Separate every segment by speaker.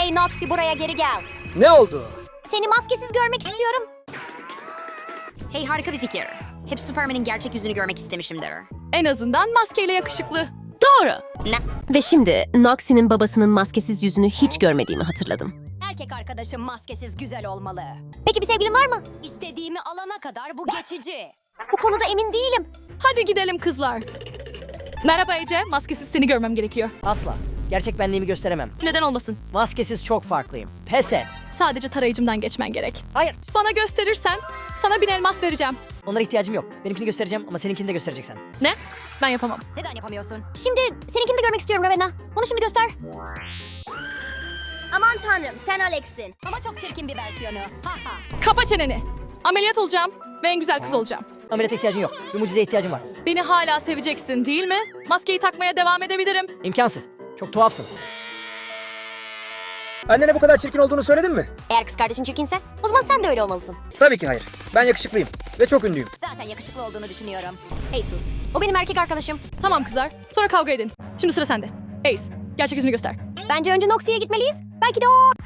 Speaker 1: Hey Noxy, buraya geri gel.
Speaker 2: Ne oldu?
Speaker 1: Seni maskesiz görmek istiyorum. Hey, harika bir fikir. Hep Superman'in gerçek yüzünü görmek istemişimdir.
Speaker 3: En azından maskeyle yakışıklı. Doğru.
Speaker 1: Ne?
Speaker 4: Ve şimdi Noxie'nin babasının maskesiz yüzünü hiç görmediğimi hatırladım.
Speaker 1: Erkek arkadaşım maskesiz güzel olmalı. Peki bir sevgilin var mı? İstediğimi alana kadar bu geçici. Bu konuda emin değilim.
Speaker 3: Hadi gidelim kızlar. Merhaba Ece, maskesiz seni görmem gerekiyor.
Speaker 5: Asla. Gerçek benliğimi gösteremem.
Speaker 3: Neden olmasın?
Speaker 5: Maskesiz çok farklıyım. Pes et.
Speaker 3: Sadece tarayıcımdan geçmen gerek.
Speaker 5: Hayır.
Speaker 3: Bana gösterirsen sana 1000 elmas vereceğim.
Speaker 5: Onlara ihtiyacım yok. Benimkini göstereceğim ama seninkini de göstereceksin.
Speaker 3: Ne? Ben yapamam.
Speaker 1: Neden yapamıyorsun? Şimdi seninkini de görmek istiyorum Ravenna. Onu şimdi göster.
Speaker 6: Aman tanrım, sen Alex'in.
Speaker 1: Ama çok çirkin bir versiyonu. Ha ha.
Speaker 3: Kapa çeneni. Ameliyat olacağım ve en güzel kız olacağım.
Speaker 5: Ameliyata ihtiyacın yok. Bir mucizeye ihtiyacım var.
Speaker 3: Beni hala seveceksin değil mi? Maskeyi takmaya devam edebilirim.
Speaker 5: İmkansız. Çok tuhafsın.
Speaker 2: Annene bu kadar çirkin olduğunu söyledin mi?
Speaker 1: Eğer kız kardeşin çirkinse o zaman sen de öyle olmalısın.
Speaker 2: Tabii ki hayır. Ben yakışıklıyım ve çok ünlüyüm.
Speaker 1: Zaten yakışıklı olduğunu düşünüyorum. Hey sus. O benim erkek arkadaşım.
Speaker 3: Tamam kızlar, sonra kavga edin. Şimdi sıra sende. Ace, gerçek yüzünü göster.
Speaker 1: Bence önce Noxie'ye gitmeliyiz. Belki de o...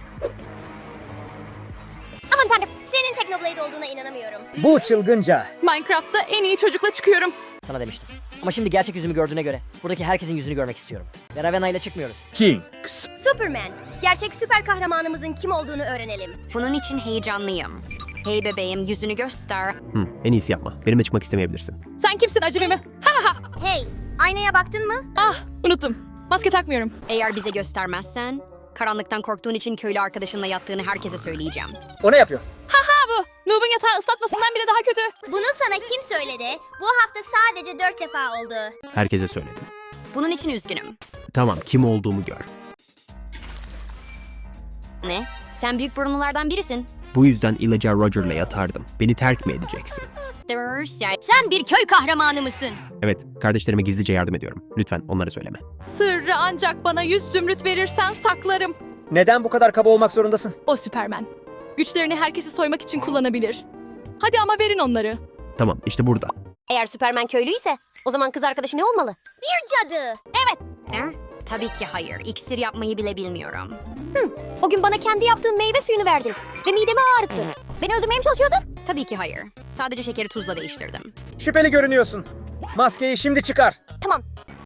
Speaker 6: Aman tanrım, senin Technoblade olduğuna inanamıyorum.
Speaker 2: Bu çılgınca.
Speaker 3: Minecraft'ta en iyi çocukla çıkıyorum.
Speaker 5: Sana demiştim. Ama şimdi gerçek yüzümü gördüğüne göre buradaki herkesin yüzünü görmek istiyorum. Ve Ravenna ile çıkmıyoruz.
Speaker 2: Kings.
Speaker 6: Superman, gerçek süper kahramanımızın kim olduğunu öğrenelim.
Speaker 1: Bunun için heyecanlıyım. Hey bebeğim, yüzünü göster.
Speaker 7: En iyisi yapma. Benimle çıkmak istemeyebilirsin.
Speaker 3: Sen kimsin acemi mi?
Speaker 6: Hey, aynaya baktın mı?
Speaker 3: Ah, unuttum. Maske takmıyorum.
Speaker 1: Eğer bize göstermezsen, karanlıktan korktuğun için köylü arkadaşınla yattığını herkese söyleyeceğim.
Speaker 2: O ne yapıyor?
Speaker 3: Ha bu. Noob'un yatağı ıslatmasından bile daha kötü.
Speaker 6: Bunu sana kim söyledi? Bu hafta sadece 4 defa oldu.
Speaker 7: Herkese söyledim.
Speaker 1: Bunun için üzgünüm.
Speaker 7: Tamam, kim olduğumu gör.
Speaker 1: Ne? Sen büyük burunlulardan birisin.
Speaker 7: Bu yüzden İlaca Roger'la yatardım. Beni terk mi edeceksin?
Speaker 1: Sen bir köy kahramanı mısın?
Speaker 7: Evet, kardeşlerime gizlice yardım ediyorum. Lütfen onlara söyleme.
Speaker 3: Sırrı ancak bana 100 zümrüt verirsen saklarım.
Speaker 2: Neden bu kadar kaba olmak zorundasın?
Speaker 3: O Süpermen. Güçlerini herkesi soymak için kullanabilir. Hadi ama verin onları.
Speaker 7: Tamam, işte burada.
Speaker 1: Eğer Süpermen köylüyse, o zaman kız arkadaşı ne olmalı?
Speaker 6: Bir cadı.
Speaker 1: Ne? Tabii ki hayır. İksir yapmayı bile bilmiyorum. O gün bana kendi yaptığın meyve suyunu verdin ve midemi ağrıttı. Beni öldürmeye mi çalışıyordun? Tabii ki hayır. Sadece şekeri tuzla değiştirdim.
Speaker 2: Şüpheli görünüyorsun. Maskeyi şimdi çıkar.
Speaker 1: Tamam.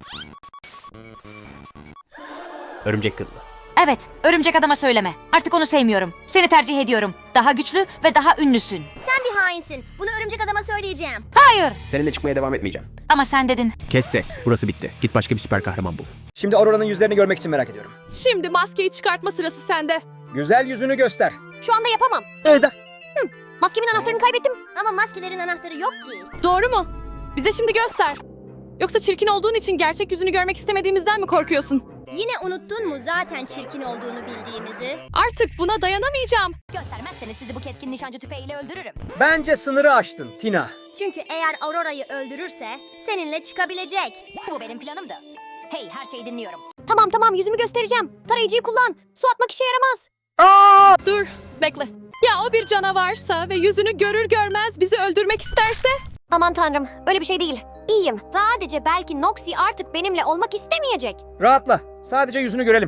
Speaker 7: Örümcek kız mı?
Speaker 8: Evet, örümcek adama söyleme. Artık onu sevmiyorum. Seni tercih ediyorum. Daha güçlü ve daha ünlüsün.
Speaker 6: Sen bir hainsin. Bunu örümcek adama söyleyeceğim.
Speaker 8: Hayır.
Speaker 7: Seninle çıkmaya devam etmeyeceğim.
Speaker 8: Ama sen dedin.
Speaker 7: Kes ses. Burası bitti. Git başka bir süper kahraman bul.
Speaker 2: Şimdi Aurora'nın yüzlerini görmek için merak ediyorum.
Speaker 3: Şimdi maskeyi çıkartma sırası sende.
Speaker 2: Güzel yüzünü göster.
Speaker 1: Şu anda yapamam.
Speaker 2: Eda.
Speaker 1: Maskemin anahtarını kaybettim.
Speaker 6: Ama maskelerin anahtarı yok ki.
Speaker 3: Doğru mu? Bize şimdi göster. Yoksa çirkin olduğun için gerçek yüzünü görmek istemediğimizden mi korkuyorsun?
Speaker 6: Yine unuttun mu zaten çirkin olduğunu bildiğimizi?
Speaker 3: Artık buna dayanamayacağım.
Speaker 1: Göstermezseniz sizi bu keskin nişancı tüfeğiyle öldürürüm.
Speaker 2: Bence sınırı aştın Tina.
Speaker 6: Çünkü eğer Aurora'yı öldürürse seninle çıkabilecek.
Speaker 1: Bu benim planımdı. Hey, her şeyi dinliyorum. Tamam, yüzümü göstereceğim. Tarayıcıyı kullan. Su atmak işe yaramaz.
Speaker 3: Dur, bekle. Ya o bir canavarsa ve yüzünü görür görmez bizi öldürmek isterse?
Speaker 1: Aman tanrım, öyle bir şey değil. İyiyim. Sadece belki Noxie artık benimle olmak istemeyecek.
Speaker 2: Rahatla. Sadece yüzünü görelim.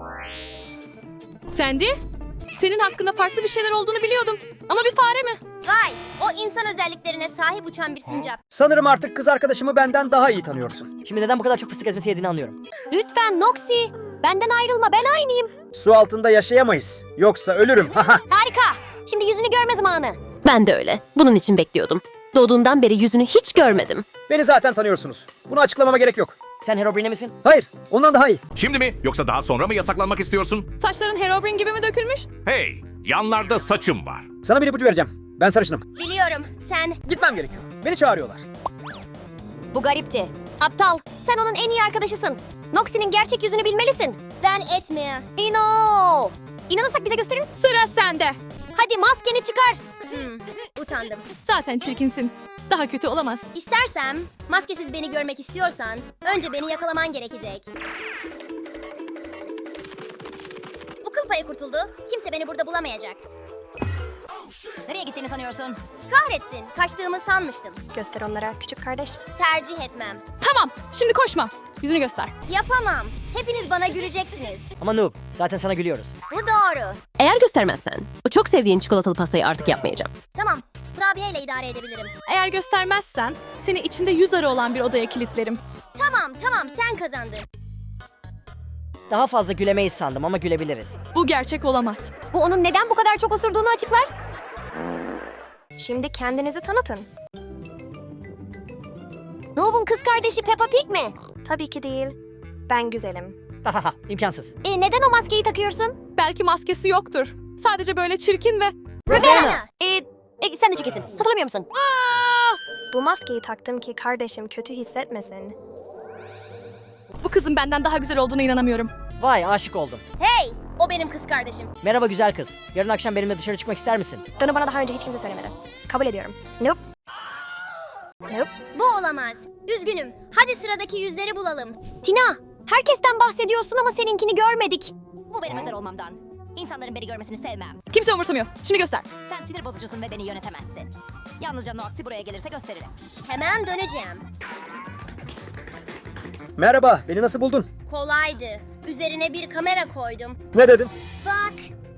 Speaker 3: Sandy, senin hakkında farklı bir şeyler olduğunu biliyordum. Ama bir fare mi?
Speaker 6: Vay, o insan özelliklerine sahip uçan bir sincap.
Speaker 2: Sanırım artık kız arkadaşımı benden daha iyi tanıyorsun.
Speaker 5: Şimdi neden bu kadar çok fıstık ezmesi yediğini anlıyorum.
Speaker 1: Lütfen Noxie, benden ayrılma, ben aynıyım.
Speaker 2: Su altında yaşayamayız. Yoksa ölürüm. Haha.
Speaker 1: Harika. Şimdi yüzünü görme zamanı.
Speaker 4: Ben de öyle. Bunun için bekliyordum. Doğduğundan beri yüzünü hiç görmedim.
Speaker 2: Beni zaten tanıyorsunuz. Bunu açıklamama gerek yok.
Speaker 5: Sen Herobrine misin?
Speaker 2: Hayır, ondan daha iyi.
Speaker 9: Şimdi mi yoksa daha sonra mı yasaklanmak istiyorsun?
Speaker 3: Saçların Herobrine gibi mi dökülmüş?
Speaker 9: Hey, yanlarda saçım var.
Speaker 2: Sana bir ipucu vereceğim. Ben sarışınım.
Speaker 6: Biliyorum, sen...
Speaker 2: Gitmem gerekiyor. Beni çağırıyorlar.
Speaker 1: Bu garipti. Aptal, sen onun en iyi arkadaşısın. Noxie'nin gerçek yüzünü bilmelisin.
Speaker 6: Ben etmeye.
Speaker 1: İno. İnanırsak bize gösterin.
Speaker 3: Sıra sende.
Speaker 1: Hadi maskeni çıkar.
Speaker 6: Utandım.
Speaker 3: Zaten çirkinsin. Daha kötü olamaz.
Speaker 6: İstersem, maskesiz beni görmek istiyorsan, önce beni yakalaman gerekecek. Bu kıl payı kurtuldu. Kimse beni burada bulamayacak.
Speaker 1: Nereye gittiğini sanıyorsun?
Speaker 6: Kahretsin, kaçtığımı sanmıştım.
Speaker 1: Göster onlara küçük kardeş.
Speaker 6: Tercih etmem.
Speaker 3: Tamam, şimdi koşma. Yüzünü göster.
Speaker 6: Yapamam. Hepiniz bana güleceksiniz.
Speaker 5: Ama noob, zaten sana gülüyoruz.
Speaker 6: Bu doğru.
Speaker 4: Eğer göstermezsen o çok sevdiğin çikolatalı pastayı artık yapmayacağım.
Speaker 6: Tamam. Kurabiyeyle idare edebilirim.
Speaker 3: Eğer göstermezsen seni içinde 100 arı olan bir odaya kilitlerim.
Speaker 6: Tamam sen kazandın.
Speaker 5: Daha fazla gülemeyiz sandım ama gülebiliriz.
Speaker 3: Bu gerçek olamaz.
Speaker 1: Bu onun neden bu kadar çok osurduğunu açıklar.
Speaker 10: Şimdi kendinizi tanıtın.
Speaker 1: Noob'un kız kardeşi Peppa Pig mi?
Speaker 10: Tabii ki değil. Ben güzelim.
Speaker 5: Hahaha, imkansız.
Speaker 1: Neden o maskeyi takıyorsun?
Speaker 3: Belki maskesi yoktur. Sadece böyle çirkin ve...
Speaker 6: Ravenna.
Speaker 1: Sen de çekesin. Hatırlamıyor musun?
Speaker 10: Bu maskeyi taktım ki kardeşim kötü hissetmesin.
Speaker 3: Bu kızın benden daha güzel olduğuna inanamıyorum.
Speaker 5: Vay, aşık oldum.
Speaker 6: Hey, o benim kız kardeşim.
Speaker 5: Merhaba güzel kız. Yarın akşam benimle dışarı çıkmak ister misin?
Speaker 10: Bunu bana daha önce hiç kimse söylemedi. Kabul ediyorum. Nope. Nope.
Speaker 6: Bu olamaz. Üzgünüm. Hadi sıradaki yüzleri bulalım.
Speaker 1: Tina, herkesten bahsediyorsun ama seninkini görmedik.
Speaker 11: Bu benim özel olmamdan. İnsanların beni görmesini sevmem.
Speaker 3: Kimse umursamıyor. Şimdi göster.
Speaker 11: Sen sinir bozucusun ve beni yönetemezsin. Yalnızca Noxy buraya gelirse gösteririm.
Speaker 6: Hemen döneceğim.
Speaker 2: Merhaba, beni nasıl buldun?
Speaker 6: Kolaydı. Üzerine bir kamera koydum.
Speaker 2: Ne dedin?
Speaker 6: Bak.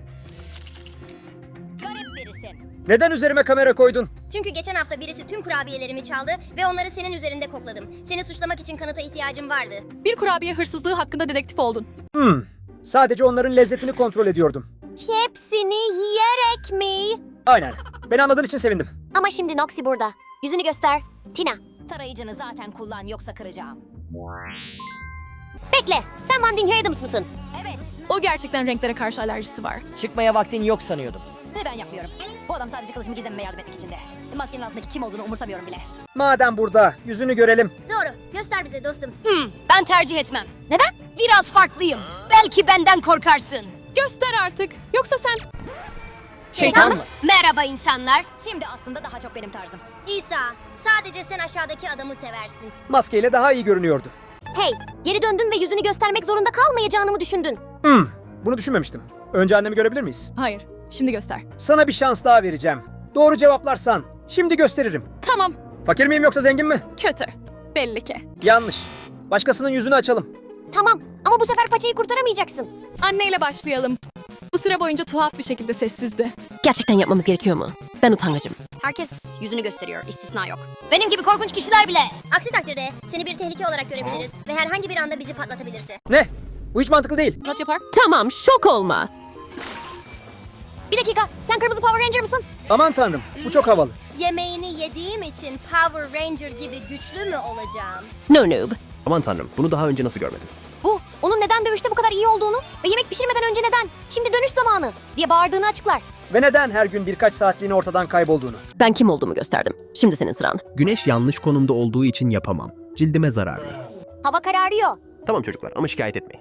Speaker 11: Garip birisin.
Speaker 2: Neden üzerime kamera koydun?
Speaker 6: Çünkü geçen hafta birisi tüm kurabiyelerimi çaldı ve onları senin üzerinde kokladım. Seni suçlamak için kanıta ihtiyacım vardı.
Speaker 3: Bir kurabiye hırsızlığı hakkında dedektif oldun.
Speaker 2: Sadece onların lezzetini kontrol ediyordum.
Speaker 1: Hepsini yiyerek mi?
Speaker 2: Aynen. Beni anladığın için sevindim.
Speaker 1: Ama şimdi Noxy burada. Yüzünü göster. Tina,
Speaker 11: Tarayıcını zaten kullan yoksa kıracağım.
Speaker 1: bekle. Sen Wanding Adams mısın?
Speaker 11: Evet
Speaker 3: O gerçekten renklere karşı alerjisi var.
Speaker 5: Çıkmaya vaktin yok sanıyordum.
Speaker 11: ve ben yapmıyorum. Bu adam sadece kılıcımı gizlememe yardım etmek içinde. Maskenin altındaki kim olduğunu umursamıyorum bile.
Speaker 2: Madem burada, yüzünü görelim.
Speaker 6: Doğru. Göster bize dostum.
Speaker 11: Ben tercih etmem.
Speaker 1: Neden?
Speaker 11: Biraz farklıyım. Belki benden korkarsın.
Speaker 3: Göster artık. Yoksa sen...
Speaker 5: Şeytan mı?
Speaker 11: Merhaba insanlar. Şimdi aslında daha çok benim tarzım.
Speaker 6: İsa, sadece sen aşağıdaki adamı seversin.
Speaker 2: Maskeyle daha iyi görünüyordu.
Speaker 1: Hey, geri döndün ve yüzünü göstermek zorunda kalmayacağını mı düşündün?
Speaker 2: Bunu düşünmemiştim. Önce annemi görebilir miyiz?
Speaker 3: Hayır. Şimdi göster.
Speaker 2: Sana bir şans daha vereceğim. Doğru cevaplarsan şimdi gösteririm.
Speaker 3: Tamam.
Speaker 2: Fakir miyim yoksa zengin mi?
Speaker 3: Kötü. Belli ki.
Speaker 2: Yanlış. Başkasının yüzünü açalım.
Speaker 1: Tamam ama bu sefer paçayı kurtaramayacaksın.
Speaker 3: Anneyle başlayalım. Bu süre boyunca tuhaf bir şekilde sessizdi.
Speaker 4: Gerçekten yapmamız gerekiyor mu? Ben utangacım.
Speaker 1: Herkes yüzünü gösteriyor, istisna yok.
Speaker 11: Benim gibi korkunç kişiler bile.
Speaker 6: Aksi takdirde seni bir tehlike olarak görebiliriz ve herhangi bir anda bizi patlatabilirse.
Speaker 2: Ne? Bu hiç mantıklı değil.
Speaker 3: Not yapar.
Speaker 4: Tamam, şok olma.
Speaker 1: Bir dakika, sen kırmızı Power Ranger mısın?
Speaker 2: Aman tanrım, bu çok havalı.
Speaker 6: Yemeğini yediğim için Power Ranger gibi güçlü mü olacağım?
Speaker 4: No noob.
Speaker 7: Aman tanrım, bunu daha önce nasıl görmedim?
Speaker 1: Bu, onun neden dövüşte bu kadar iyi olduğunu ve yemek pişirmeden önce neden, şimdi dönüş zamanı diye bağırdığını açıklar.
Speaker 2: Ve neden her gün birkaç saatliğine ortadan kaybolduğunu.
Speaker 4: Ben kim olduğumu gösterdim. Şimdi senin sıran.
Speaker 7: Güneş yanlış konumda olduğu için yapamam. Cildime zararlı.
Speaker 1: Hava kararıyor.
Speaker 7: Tamam çocuklar ama şikayet etmeyin.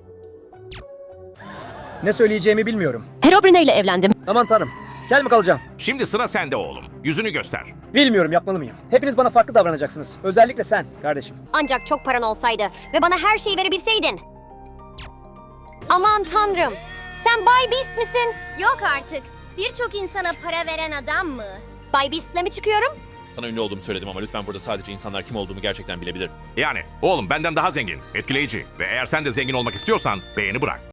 Speaker 2: Ne söyleyeceğimi bilmiyorum.
Speaker 4: Herobrine ile evlendim.
Speaker 2: Aman tanrım. Kel mi kalacağım?
Speaker 9: Şimdi sıra sende oğlum. Yüzünü göster.
Speaker 2: Bilmiyorum, yapmalı mıyım? Hepiniz bana farklı davranacaksınız. Özellikle sen kardeşim.
Speaker 1: Ancak çok paran olsaydı ve bana her şeyi verebilseydin. Aman tanrım, sen Bay Beast misin?
Speaker 6: Yok artık. Birçok insana para veren adam mı?
Speaker 1: Bay Beast'le mi çıkıyorum?
Speaker 12: Sana ünlü olduğumu söyledim ama lütfen burada sadece insanlar kim olduğumu gerçekten bilebilir.
Speaker 9: Yani oğlum benden daha zengin, etkileyici ve eğer sen de zengin olmak istiyorsan beğeni bırak.